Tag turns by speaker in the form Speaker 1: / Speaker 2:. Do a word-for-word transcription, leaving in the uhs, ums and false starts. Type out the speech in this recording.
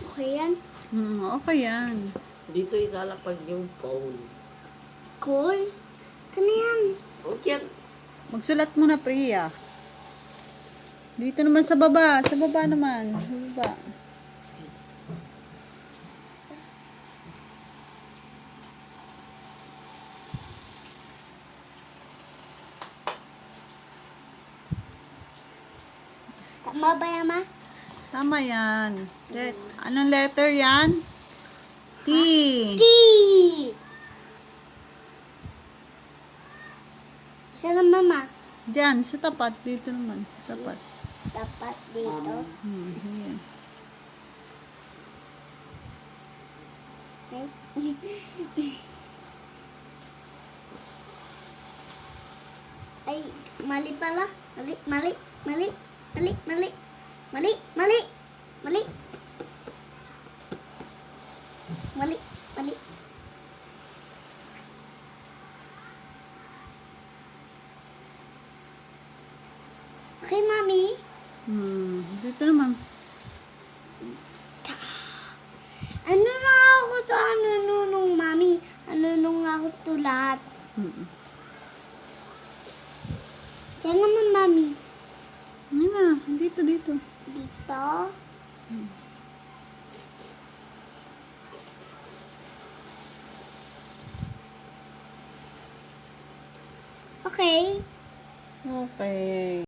Speaker 1: Okay yan.
Speaker 2: Hmm, okay yan.
Speaker 3: Dito ilalapag yung phone.
Speaker 1: Cool. Ano yan?
Speaker 3: Okay.
Speaker 2: Magsulat mo na, Priya. Dito naman sa baba. Sa baba naman. Sa baba.
Speaker 1: Tama ba yan, ma?
Speaker 2: Tama yan. Let, anong letter yan? T.
Speaker 1: T! Isa na, mama.
Speaker 2: Diyan, sa tapat. Dito naman. Sa tapat.
Speaker 1: Dapat dito.
Speaker 2: Hmm, yan.
Speaker 1: Okay. Ay, mali pala. Mali, mali, mali, mali, mali, mali, mali, mali, mali, mali. Okay, mami.
Speaker 2: Hmm, dito naman.
Speaker 1: Ano na ako to? Ano nung mami? Ano nung ako to lahat?
Speaker 2: Hmm.
Speaker 1: Diyan naman, mami.
Speaker 2: Yan na. Dito, dito.
Speaker 1: Dito. Okay.
Speaker 2: Okay.